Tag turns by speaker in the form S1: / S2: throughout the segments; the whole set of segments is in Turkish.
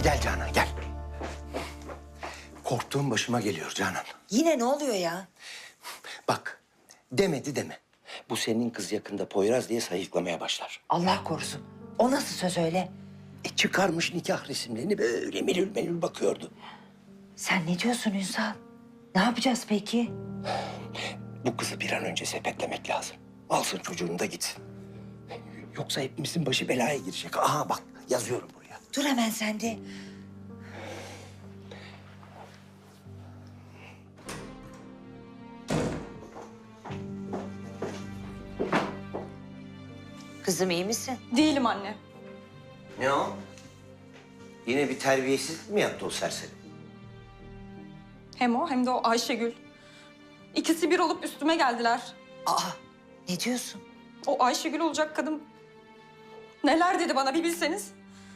S1: Gel Canan gel. Korktuğum başıma geliyor Canan.
S2: Yine ne oluyor ya?
S1: Bak demedi deme. Bu senin kız yakında Poyraz diye sayıklamaya başlar.
S2: Allah korusun. O nasıl söz öyle?
S1: Çıkarmış nikah resimlerini böyle melül melül bakıyordu.
S2: Sen ne diyorsun Ünsal? Ne yapacağız peki?
S1: Bu kızı bir an önce sepetlemek lazım. Alsın çocuğunu da gitsin. Yoksa hepimizin başı belaya girecek. Aha bak yazıyorum buraya.
S2: Dur hemen sen de. Kızım iyi misin?
S3: Değilim anne.
S1: Ne o? Yine bir terbiyesizlik mi yaptı o serseri?
S3: Hem o hem de o Ayşegül. İkisi bir olup üstüme geldiler.
S2: Aa, ne diyorsun?
S3: O Ayşegül olacak kadın neler dedi bana bir bilseniz.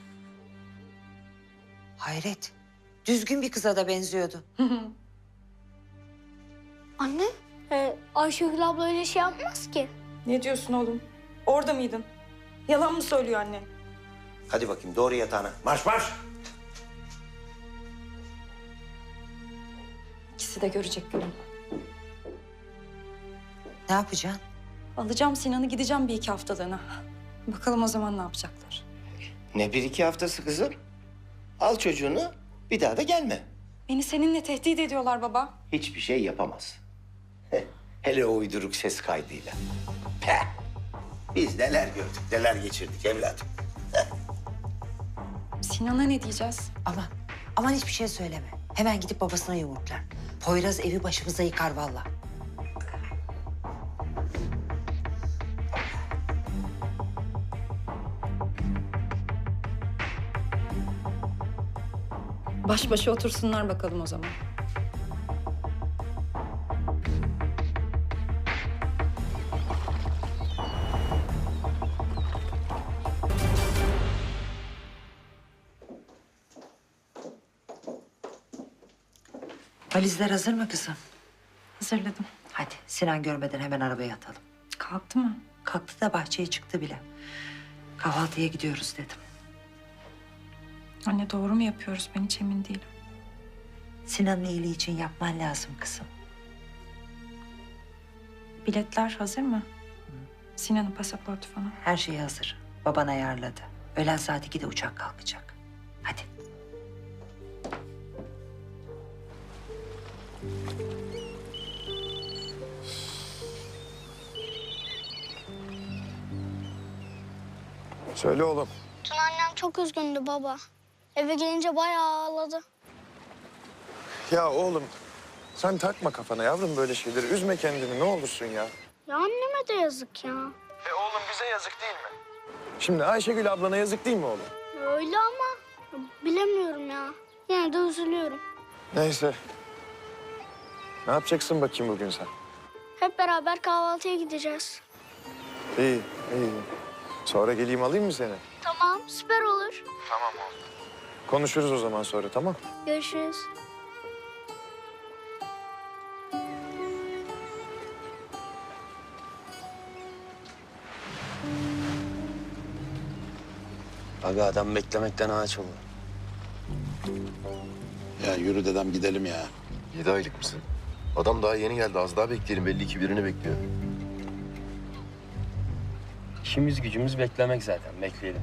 S2: Hayret. Düzgün bir kıza da benziyordu.
S4: Anne, Ayşegül abla öyle şey yapmaz ki.
S3: Ne diyorsun oğlum? Orada mıydın? Yalan mı söylüyor anne?
S1: Hadi bakayım doğru yatağına. Marş marş.
S3: İkisi de görecek günüm.
S2: Ne yapacaksın?
S3: Alacağım Sinan'ı gideceğim bir iki haftalığına. Bakalım o zaman ne yapacaklar.
S1: Ne bir iki haftası kızım? Al çocuğunu bir daha da gelme.
S3: Beni seninle tehdit ediyorlar baba.
S1: Hiçbir şey yapamaz. Hele o uyduruk ses kaydıyla. Peh! Biz neler gördük, neler geçirdik evladım.
S3: Sinan'a ne diyeceğiz?
S2: Aman hiçbir şey söyleme. Hemen gidip babasına yumurtlar. Poyraz evi başımıza yıkar vallahi.
S3: Baş başa otursunlar bakalım o zaman.
S2: Valizler hazır mı kızım?
S3: Hazırladım.
S2: Hadi Sinan görmeden hemen arabaya atalım.
S3: Kalktı mı?
S2: Kalktı da bahçeye çıktı bile. Kahvaltıya gidiyoruz dedim.
S3: Anne doğru mu yapıyoruz? Ben hiç emin değilim.
S2: Sinan'ın iyiliği için yapman lazım kızım.
S3: Biletler hazır mı? Sinan'ın pasaportu falan.
S2: Her şey hazır. Baban ayarladı. Öğlen saat 2'de uçak kalkacak. Hadi.
S5: Söyle oğlum.
S4: Dün annem çok üzgündü baba. Eve gelince bayağı ağladı.
S5: Ya oğlum sen takma kafana yavrum böyle şeyleri. Üzme kendini ne olursun ya.
S4: Ya anneme de yazık ya.
S5: Oğlum bize yazık değil mi? Şimdi Ayşegül ablana yazık değil mi oğlum?
S4: Öyle ama bilemiyorum ya. Yine de üzülüyorum.
S5: Neyse. Ne yapacaksın bakayım bugün sen?
S4: Hep beraber kahvaltıya gideceğiz.
S5: İyi, iyi. Sonra geleyim alayım mı seni?
S4: Tamam, süper olur.
S5: Konuşuruz o zaman sonra tamam?
S4: Görüşürüz.
S6: Aga adam beklemekten ağaç oldu.
S7: Ya yürü dedem gidelim ya.
S8: 7 aylık mısın? Adam daha yeni geldi. Az daha bekleyelim. Belli ki birini bekliyor.
S6: İşimiz gücümüz beklemek zaten. Bekleyelim.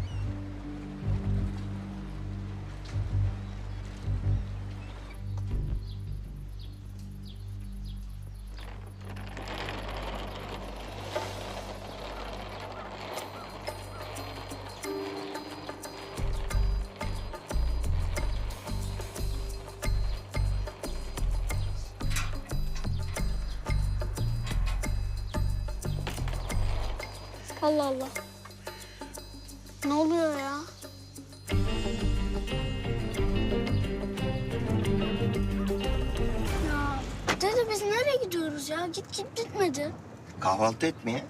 S4: Allah Allah. Ne oluyor ya? Ya dede biz nereye gidiyoruz ya? Git bitmedi.
S1: Kahvaltı etmeye.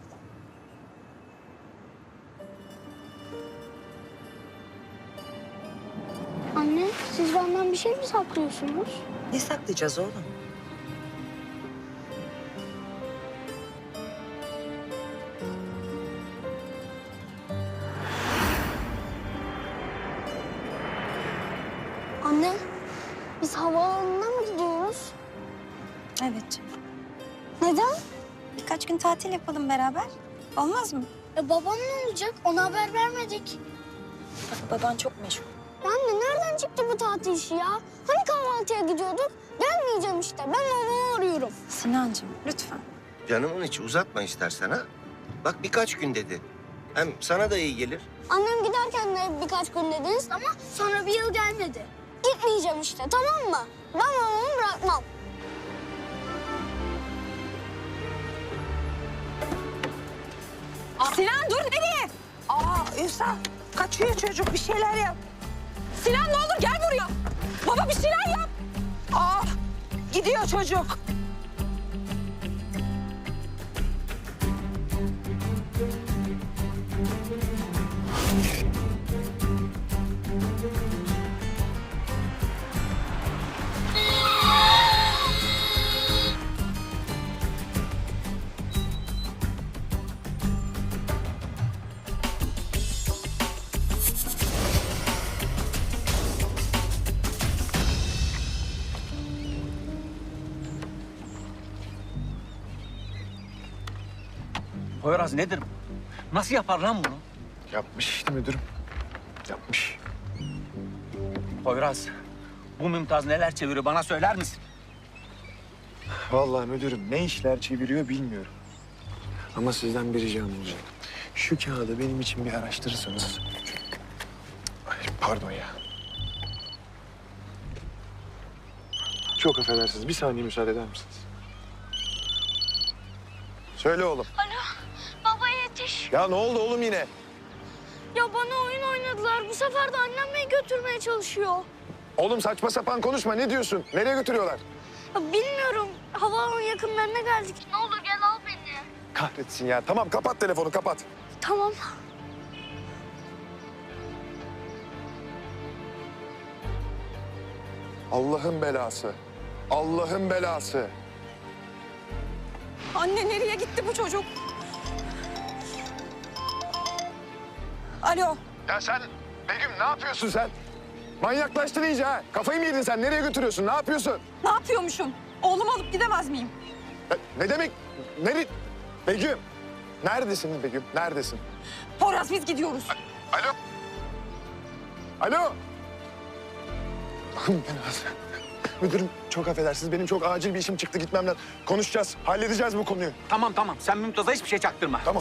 S4: Anne siz benden bir şey mi saklıyorsunuz?
S2: Ne saklayacağız oğlum?
S4: Anne, biz havaalanına mı gidiyoruz?
S3: Evet.
S4: Neden?
S3: Birkaç gün tatil yapalım beraber. Olmaz mı?
S4: Babam ne olacak? Ona haber vermedik.
S3: Baban çok meşgul.
S4: Anne nereden çıktı bu tatil işi ya? Hani kahvaltıya gidiyorduk? Gelmeyeceğim işte. Ben babamı arıyorum.
S3: Sinancığım lütfen.
S1: Canımın içi uzatma istersen ha. Bak birkaç gün dedi. Hem sana da iyi gelir.
S4: Annem giderken de birkaç gün dediniz ama sonra bir yıl gelmedi. Gitmeyeceğim işte, tamam mı? Ben babamı bırakmam.
S2: Sinan dur nereye? Ünsal kaçıyor çocuk bir şeyler yap. Sinan ne olur gel buraya. Baba bir şeyler yap. Gidiyor çocuk.
S9: Poyraz nedir bu? Nasıl yapar lan bunu?
S5: Yapmış işte müdürüm. Yapmış.
S9: Poyraz, bu Mümtaz neler çeviriyor bana söyler misin?
S5: Vallahi müdürüm ne işler çeviriyor bilmiyorum. Ama sizden bir ricam olacak. Şu kağıdı benim için bir araştırırsanız. Ay, pardon ya. Çok affedersiniz. Bir saniye müsaade eder misiniz? Söyle oğlum.
S4: Baba yetiş.
S5: Ya ne oldu oğlum yine?
S4: Ya bana oyun oynadılar. Bu sefer de annem beni götürmeye çalışıyor.
S5: Oğlum saçma sapan konuşma. Ne diyorsun? Nereye götürüyorlar?
S4: Ya bilmiyorum. Havaalanı yakınlarına geldik. Ne olur gel al beni.
S5: Kahretsin ya. Tamam kapat telefonu kapat.
S4: Tamam.
S5: Allah'ın belası. Allah'ın belası.
S2: Anne nereye gitti bu çocuk? Alo.
S5: Ya sen Begüm ne yapıyorsun sen? Manyaklaştın iyice ha. Kafayı mı yedin sen? Nereye götürüyorsun? Ne yapıyorsun?
S2: Ne yapıyormuşum? Oğlumu alıp gidemez miyim?
S5: Ne demek? Begüm. Neredesin Begüm? Neredesin?
S2: Poyraz biz gidiyoruz.
S5: Alo? Alo? Allah'ım belası. Müdürüm çok affedersiniz. Benim çok acil bir işim çıktı. Gitmem lazım. Konuşacağız. Halledeceğiz bu konuyu.
S9: Tamam sen Mümtaz'a hiçbir şey çaktırma.
S5: Tamam.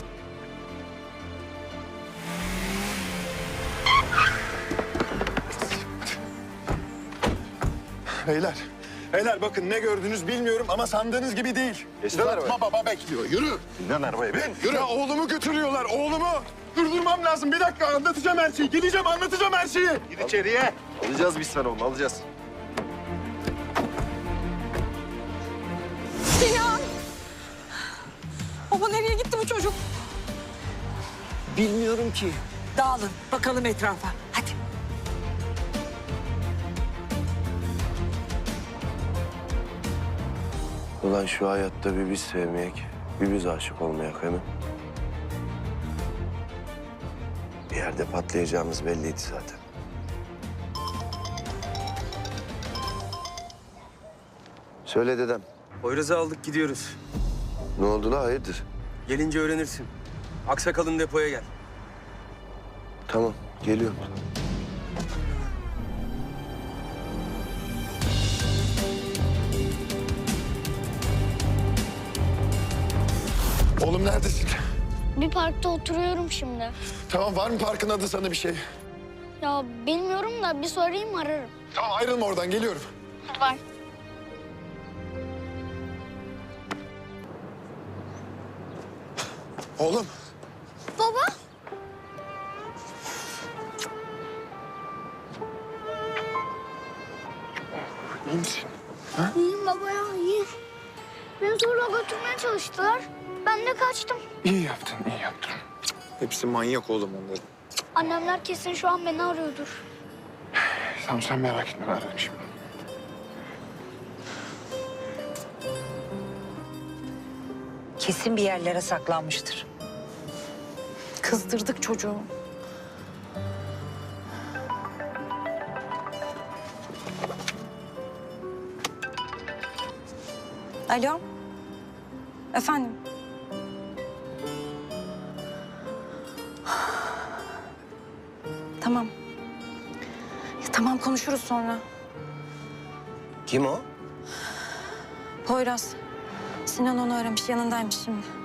S5: Beyler bakın ne gördünüz bilmiyorum ama sandığınız gibi değil.
S7: Uzatma baba bekliyor. Yürü.
S5: Lan arabaya bin. Yürü. Ya oğlumu götürüyorlar, oğlumu. Durdurmam lazım. Bir dakika anlatacağım her şeyi. Geleceğim anlatacağım her şeyi.
S8: Gir içeriye. Alacağız biz sana onu alacağız.
S2: Sinan! Baba nereye gitti bu çocuk?
S1: Bilmiyorum ki.
S2: Dağılın bakalım etrafa. Hadi.
S8: Ulan şu hayatta bir biz sevmeyek, bir biz aşık olmayak hemen. Bir yerde patlayacağımız belliydi zaten. Söyle dedem.
S6: Poyraz'ı aldık gidiyoruz.
S8: Ne oldu la hayırdır?
S6: Gelince öğrenirsin. Aksakal'ın depoya gel.
S8: Tamam geliyorum.
S5: Oğlum neredesin?
S4: Bir parkta oturuyorum şimdi.
S5: Tamam var mı parkın adı sana bir şey?
S4: Ya bilmiyorum da bir sorayım ararım.
S5: Tamam ayrılma oradan geliyorum.
S4: Hadi bay.
S5: Oğlum.
S4: Baba.
S5: İyi misin?
S4: İyiyim baba ya iyiyim. Beni zorla götürmeye çalıştılar. Ben de kaçtım.
S5: İyi yaptın, iyi yaptın. Cık, hepsi manyak oğlum onların.
S4: Annemler kesin şu an beni arıyordur.
S5: Tamam sen merak etme ben ararım şimdi.
S2: Kesin bir yerlere saklanmıştır.
S3: Kızdırdık çocuğu. Alo. Efendim. Tamam. Ya, tamam konuşuruz sonra.
S1: Kim o?
S3: Poyraz. Sinan onu aramış, yanındaymış şimdi.